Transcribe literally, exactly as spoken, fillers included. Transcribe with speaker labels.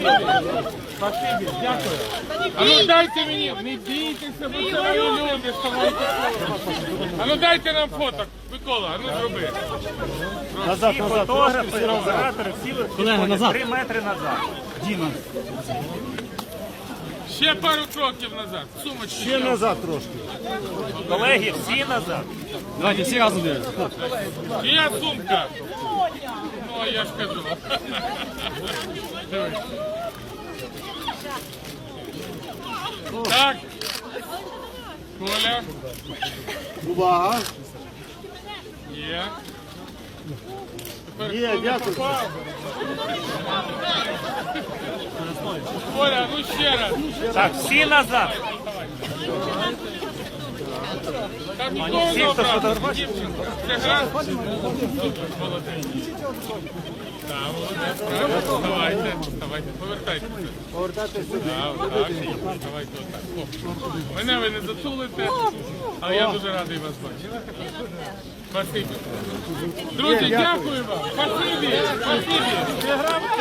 Speaker 1: Спасибі, дякую. А ну дайте мені, не бійтеся, бо це мої люди, ставайте. А ну дайте нам фото, Микола, а ну зроби.
Speaker 2: Назад, назад, фотографи, оператори, всі виходять три метри назад.
Speaker 3: Діма.
Speaker 1: Ще пару кроків назад, сумочки.
Speaker 2: Ще назад трошки. Колеги, всі назад.
Speaker 3: Давайте всі разом дивимося.
Speaker 1: Чия сумка? Ну, а я ж кажу. Дивись. Так. Коля.
Speaker 2: Увага.
Speaker 1: Є. Тепер
Speaker 2: Є,
Speaker 1: хто не
Speaker 2: дякую.
Speaker 1: попав? Коля, ну ще раз.
Speaker 2: Так, всі назад.
Speaker 1: Так, нікого не обрати. Дівчинка. Це гра? Молодець. Так, молодець. Правильно. Давайте, давайте, повертайтеся.
Speaker 2: Повертатися сюди.
Speaker 1: Так, так. Давайте отак. О. Мене ви не затулите, але я дуже радий вас бачити. Спасибі. Друзі, дякую вам. Спасибі. Спасибі.